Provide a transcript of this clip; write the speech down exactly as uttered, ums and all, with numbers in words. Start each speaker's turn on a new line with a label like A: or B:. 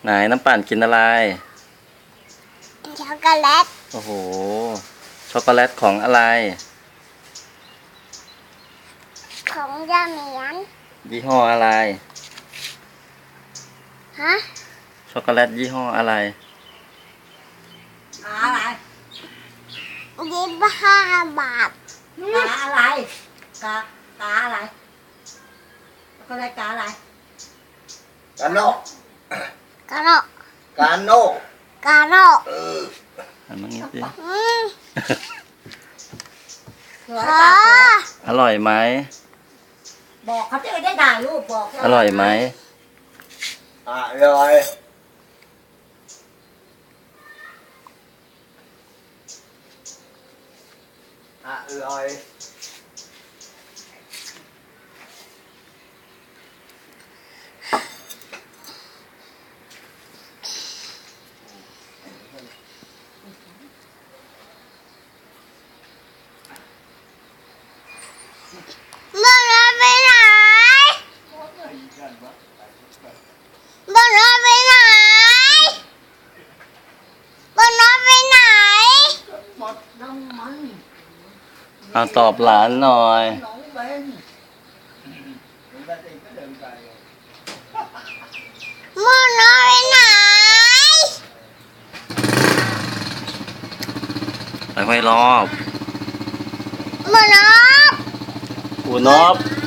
A: ไหนน้ำปั่นกินอะไร
B: ช็อกโกแลต
A: โอ้โหช็อกโกแลตของอะไร
B: ของยาเหมียน
A: ยี่ห้ออะไร
B: ฮะ
A: ช็อกโกแลตยี่ห้ออะไร
C: อะไร
B: ยี่สิบห้าบาท
C: กาอะไรกากาอะไรก็ได้กาอะไร
D: กาโน
B: กาโน
D: กาโน
B: กาโน
D: เออ
A: อันนี้สิ
B: อืม
C: สวย
B: ขอ
C: จังสวย
A: อร่อยไหม
C: บอกเขาจะได้ถ่ายรูปบอก
A: อร่อยไหม
D: อร่อยอร่อย
B: เมื่อไรไปไหนเมื่อไรไปไหนเมื่อไรไปไหน
C: หมดน้ำมัน
A: เอาตอบหลานหน่อย
C: น้องเบน
B: เมื่อไรไปไหน
A: ไปไว้รอบ
B: เมื่อไร
A: อูนบ